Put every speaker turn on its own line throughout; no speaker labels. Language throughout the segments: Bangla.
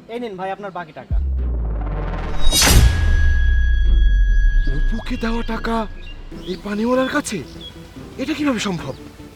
এই নিন ভাই আপনার বাকি টাকা।
অপুকে দেওয়া টাকা এই পানিওয়ালার কাছে, এটা কিভাবে সম্ভব?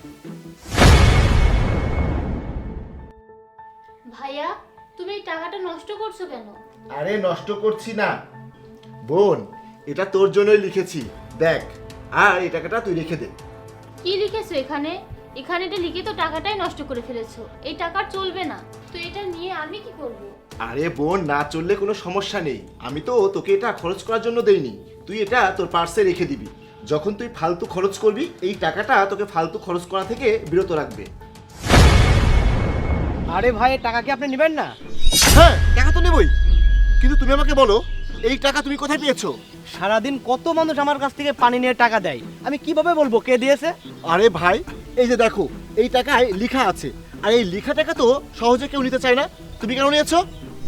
ভাইয়া তুমি এই টাকাটা নষ্ট করছো কেন?
আরে নষ্ট করছি না বোন, এটা তোর জন্যই লিখেছি, দেখ। আর এই টাকাটা তুই রেখে দে।
কি লিখেছো এখানে? এখানে এটা লিখে তো টাকাটাই নষ্ট করে ফেলেছো। এই টাকা চলবে না, তো এটা নিয়ে আমি কি করব?
আরে বোন, না চললে কোনো সমস্যা নেই, আমি তো তোকে এটা খরচ করার জন্য দেইনি। তুই এটা তোর পার্সে রেখে দিবি, যখন তুই ফালতু খরচ করবি এই টাকাটা তোকে ফালতু খরচ করা থেকে বিরত রাখবে।
আরে ভাই এই টাকা কি আপনি নেবেন না?
হ্যাঁ, টাকা তো নেবই, কিন্তু তুমি আমাকে বলো এই টাকা তুমি কোথায় পেয়েছো?
সারাদিন কত মানুষ আমার কাছ থেকে পানি নিয়ে টাকা দেয়, আমি কিভাবে বলবো কে দিয়েছে?
আরে ভাই, এই যে দেখো এই টাকায় লেখা আছে, আর এই লেখা টাকা তো সহজে কেউ নিতে চায় না, তুমি কেন নিয়েছো?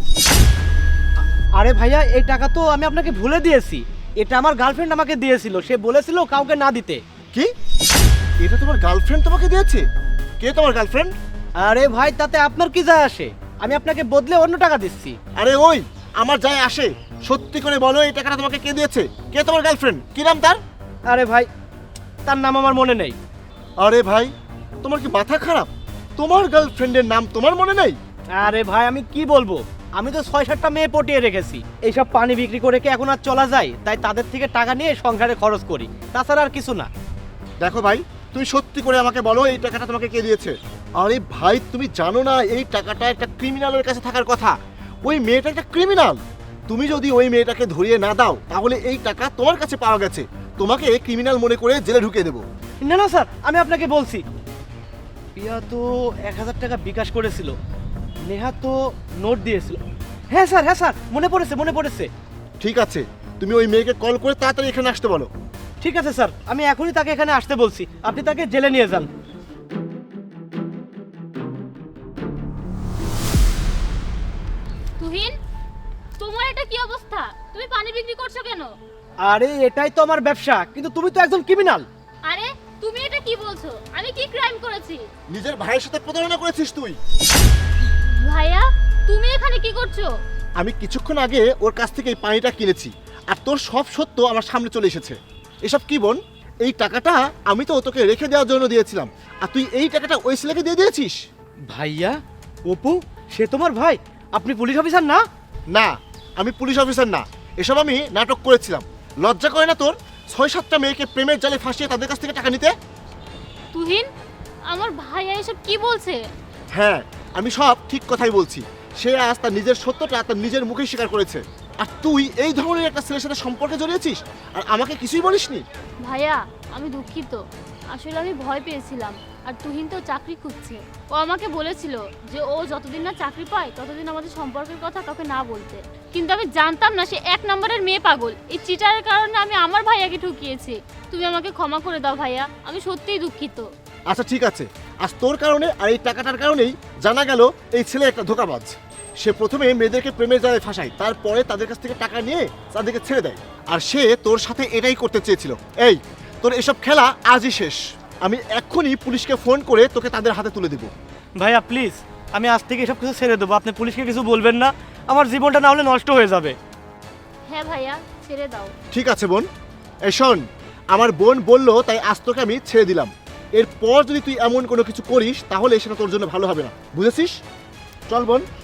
আরে ভাইয়া এই টাকা তো আমি আপনাকে ভুলে দিয়েছি, এটা আমার গার্লফ্রেন্ড আমাকে দিয়েছিল, সে বলেছিল কাউকে না দিতে।
কি? এটা তোমার গার্লফ্রেন্ড তোমাকে দিয়েছে? কে তোমার গার্লফ্রেন্ড?
আরে ভাই তাতে আপনার কি যায় আসে, আমি আপনাকে বদলে অন্য টাকা দিচ্ছি।
আরে ওই, আমার যায় আসে, সত্যি করে বলো এই টাকাটা তোমাকে কে দিয়েছে? কে তোমার গার্লফ্রেন্ড? কি নাম তার?
আরে ভাই তার নাম আমার মনে নেই।
আরে ভাই, তোমার কি মাথা খারাপ? তোমার গার্লফ্রেন্ডের নাম তোমার মনে নেই?
আরে ভাই আমি কি বলবো, আমি তো 6-7টা মেয়ে পটিয়ে রেখেছি, এইসব পানি বিক্রি করে কি এখন আর চলা যায়? তাই তাদের থেকে টাকা নিয়ে সংসারে খরচ করি, তাছাড়া আর কিছু না।
দেখো ভাই, তুমি সত্যি করে আমাকে বলো এই টাকাটা তোমাকে কে দিয়েছে? আরে ভাই, তুমি জানো না এই টাকাটা একটা ক্রিমিনালের কাছে থাকার কথা? ওই মেয়েটা একটা ক্রিমিনাল। তুমি যদি ওই মেয়েটাকে ধরিয়ে না দাও তাহলে এই টাকা তোমার কাছে পাওয়া গেছে, তোমাকে ক্রিমিনাল মনে করে জেলে ঢুকিয়ে দেবো।
না না স্যার, আমি আপনাকে বলছি, পিয়া তো 1000 টাকা বিকাশ করেছিল, নেহা তো নোট দিয়েছিল। হ্যাঁ স্যার মনে পড়েছে।
ঠিক আছে, তুমি ওই মেয়েকে কল করে তাড়াতাড়ি এখানে আসতে বলো।
ঠিক আছে স্যার, আমি এখনই তাকে এখানে আসতে বলছি, আপনি তাকে জেলে নিয়ে যান।
তুহিন, তোমার এটা কি অবস্থা? তুমি পানি বিক্রি করছো কেন?
আরে এটাই তো আমার ব্যবসা, কিন্তু তুমি তো একজন ক্রিমিনাল।
আরে তুমি এটা কি বলছো? আমি কি ক্রাইম করেছি?
নিজের ভাইয়ের সাথে প্রতারণা করেছিস তুই।
ভাইয়া তুমি এখানে কি করছো?
আমি কিছুক্ষণ আগে ওর কাছ থেকে এই পানিটা কিনেছি, আর তোর সব সত্য আমার সামনে চলে এসেছে। এসব কি বোন? এই টাকাটা আমি তো তোকে রেখে দেওয়ার জন্য দিয়েছিলাম, আর তুই এই টাকাটা ওই ছেলেকে দিয়ে দিয়েছিস।
ভাইয়া, অপু সে তোমার ভাই? আপনি পুলিশ অফিসার না?
না, আমি পুলিশ অফিসার না, এসব আমি নাটক করেছিলাম। লজ্জা করে না তোর 6-7টা মেয়েকে প্রেমের জালে ফাঁসিয়ে তাদের কাছ থেকে টাকা নিতে?
তুহিন, আমার ভাইয়া এসব কি বলছে?
হ্যাঁ, আমি সব ঠিক কথাই বলছি। সে আজ তার নিজের সত্যটা তার নিজের মুখেই স্বীকার করেছে, আর তুই এই ধরনের একটা ছেলের সাথে সম্পর্কে জড়িয়েছিস আর আমাকে কিছুই বলিসনি।
ভাইয়া আমি দুঃখিত, আসলে আমি ভয় পেয়েছিলাম। আর তুহিন তো চাকরি খুঁজছে, ও আমাকে বলেছিল যে ও যতদিন না চাকরি পায় ততদিন আমাদের সম্পর্কের কথা কাউকে না বলতে, কিন্তু আমি জানতাম না সে 1 নম্বরের মেয়ে পাগল। এই চিটারের কারণে আমি আমার ভাইয়াকে ঠকিয়েছি। তুমি আমাকে ক্ষমা করে দাও ভাইয়া, আমি সত্যিই দুঃখিত।
আচ্ছা ঠিক আছে, আজ তোর কারণে আর এই টাকাটার কারণেই জানা গেল এই ছেলে একটা ধোঁকাবাজ। সে প্রথমে মেয়েদেরকে প্রেমের জালে ফাঁসায়, তারপরে তাদের কাছ থেকে টাকা নিয়ে তাদেরকে ছেড়ে দেয়, আর সে তোর সাথে এটাই করতে চেয়েছিল। এই, তোর এসব খেলা আজই শেষ। আমি এক্ষুনি পুলিশকে ফোন করে তোকে তাদের হাতে তুলে দেবো।
ভাইয়া প্লিজ, আমি আজ থেকে এসব কিছু ছেড়ে দেবো, আপনি পুলিশকে কিছু বলবেন না, আমার জীবনটা না হলে নষ্ট হয়ে যাবে।
হ্যাঁ ভাইয়া, ছেড়ে দাও।
ঠিক আছে বোন, এই শোন, আমার বোন বললো তাই আজ তোকে আমি ছেড়ে দিলাম। এরপর যদি তুই এমন কোনো কিছু করিস তাহলে সেটা তোর জন্য ভালো হবে না, বুঝেছিস? চল বোন।